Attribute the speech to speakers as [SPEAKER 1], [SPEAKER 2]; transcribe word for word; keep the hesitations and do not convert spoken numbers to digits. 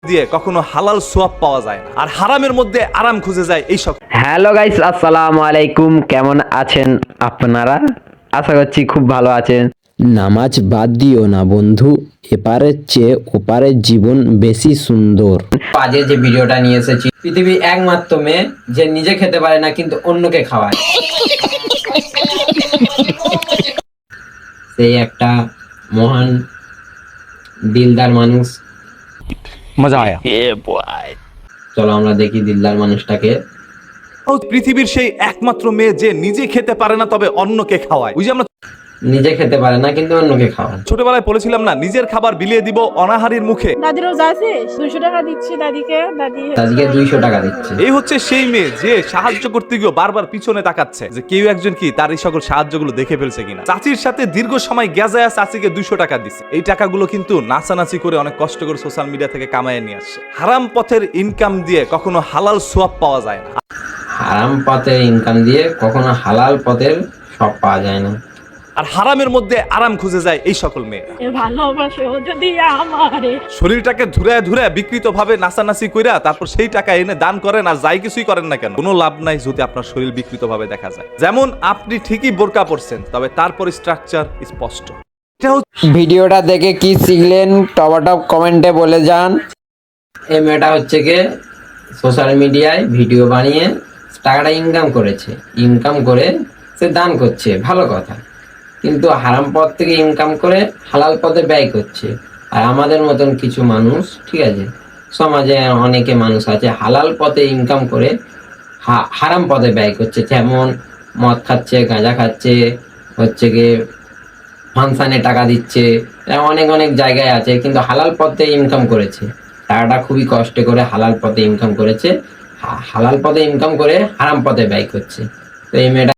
[SPEAKER 1] দিয়ে কখনো হালাল সোয়াব পাওয়া যায় না, আর হারামের মধ্যে আরাম খুঁজে যায় এই সব।
[SPEAKER 2] হ্যালো গাইস, আসসালামু আলাইকুম। কেমন আছেন আপনারা? আশা করছি খুব ভালো আছেন।
[SPEAKER 3] নামাজ বাদ দিও না বন্ধু, এপারের চেয়ে ওপারের জীবন বেশি সুন্দর।
[SPEAKER 4] আজকে যে ভিডিওটা নিয়ে এসেছি, পৃথিবীর একমাত্র মেয়ে যে নিজে খেতে পারে না কিন্তু অন্যকে খাওয়ায়, সেই একটা মহান দিলদার মানুষ।
[SPEAKER 1] মজা আয়া।
[SPEAKER 4] চলো আমরা দেখি দিলদার মানুষটাকে।
[SPEAKER 1] পৃথিবীর সেই একমাত্র মেয়ে যে নিজে খেতে পারে না তবে অন্যকে খাওয়ায়। ওই যে আমরা
[SPEAKER 4] নিজে খেতে পারে না কিন্তু অন্যকে খাওয়ায়।
[SPEAKER 1] ছোটবেলায় বলেছিলাম না, নিজের খাবার বিলিয়ে দিব অনাহারীর মুখে।
[SPEAKER 5] দাদির রোজা আছে, দুইশো টাকা দিচ্ছি দাদিকে। দাদি
[SPEAKER 4] আজকে দুইশো টাকা দিচ্ছে।
[SPEAKER 1] এই হচ্ছে সেই মেয়ে যে সাহায্য করতে গিয়ে বারবার পিছনে তাকাচ্ছে যে কেউ একজন কি তার এই সকল সাহায্যগুলো দেখে ফেলছে কিনা। চাচির সাথে দীর্ঘ সময় গেজায়া চাচিকে দুইশো টাকা দিচ্ছে। এই টাকাগুলো কিন্তু নাচানাচি করে অনেক কষ্ট করে সোশ্যাল মিডিয়া থেকে কামায় নিয়ে আসছে। হারাম পথের ইনকাম দিয়ে কখনো হালাল সোয়াব পাওয়া যায় না।
[SPEAKER 4] হারাম পথের ইনকাম দিয়ে কখনো হালাল পথের সব পাওয়া যায় না,
[SPEAKER 1] আর হারামের মধ্যে আরাম খুঁজে যায় এই সকল মেয়েরা।
[SPEAKER 5] এ ভালোবাসে ও যদি আমারে।
[SPEAKER 1] শরীরটাকে ধুরে ধুরে বিকৃত ভাবে নাচানাচি কইরা তারপর সেই টাকা এনে দান করেন, আর যাই কিছুই করেন না কেন কোনো লাভ নাই যদি আপনার শরীর বিকৃত ভাবে দেখা যায়। যেমন আপনি ঠিকই বোরকা পরছেন, তবে তারপর স্ট্রাকচার স্পষ্ট। এটা হচ্ছে
[SPEAKER 3] ভিডিওটা দেখে কি শিখলেন টপ কমেন্টে বলে যান।
[SPEAKER 4] এই মেয়েটা হচ্ছে কি সোশ্যাল মিডিয়ায় ভিডিও বানিয়ে টাকাটা ইনকাম করেছে, ইনকাম করে সে দান করছে, ভালো কথা, কিন্তু হারাম পথ থেকে ইনকাম করে হালাল পথে ব্যয় করছে। আর আমাদের মতন কিছু মানুষ, ঠিক আছে, সমাজে অনেকে মানুষ আছে হালাল পথে ইনকাম করে হারাম পথে ব্যয় করছে, যেমন মদ খাচ্ছে, গাঁজা খাচ্ছে, হচ্ছে গিয়ে ফাংশনে টাকা দিচ্ছে, অনেক অনেক জায়গায় আছে, কিন্তু হালাল পথে ইনকাম করেছে, টাকাটা খুবই কষ্ট করে হালাল পথে ইনকাম করেছে, হালাল পথে ইনকাম করে হারাম পথে ব্যয় করছে। তো এই মেয়েটা